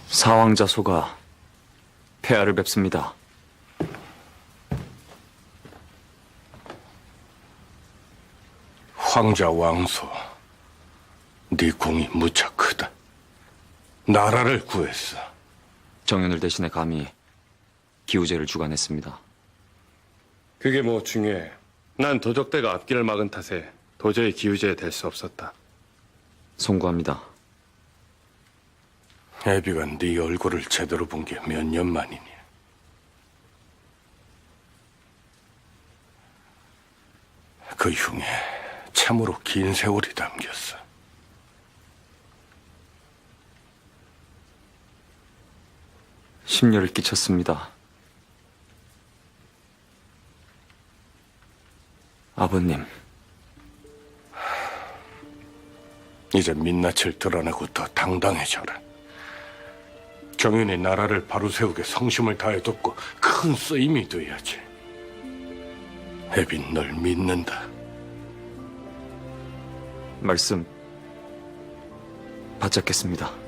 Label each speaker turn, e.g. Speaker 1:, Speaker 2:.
Speaker 1: 사왕자 소가 폐하를 뵙습니다.
Speaker 2: 황자 왕소, 네 공이 무척 크다. 나라를 구했어.
Speaker 1: 정연을 대신해 감히 기우제를 주관했습니다.
Speaker 3: 그게 뭐 중요해. 난 도적대가 앞길을 막은 탓에 도저히 기우제에 될 수 없었다.
Speaker 1: 송구합니다.
Speaker 2: 애비가 네 얼굴을 제대로 본 게 몇 년 만이니. 그 흉에 참으로 긴 세월이 담겼어.
Speaker 1: 심려를 끼쳤습니다. 아버님,
Speaker 2: 이제 민낯을 드러내고 더 당당해져라. 정윤이 나라를 바로 세우게 성심을 다해 돕고 큰 쓰임이 돼야지. 애빈 널 믿는다.
Speaker 1: 말씀 바짝겠습니다.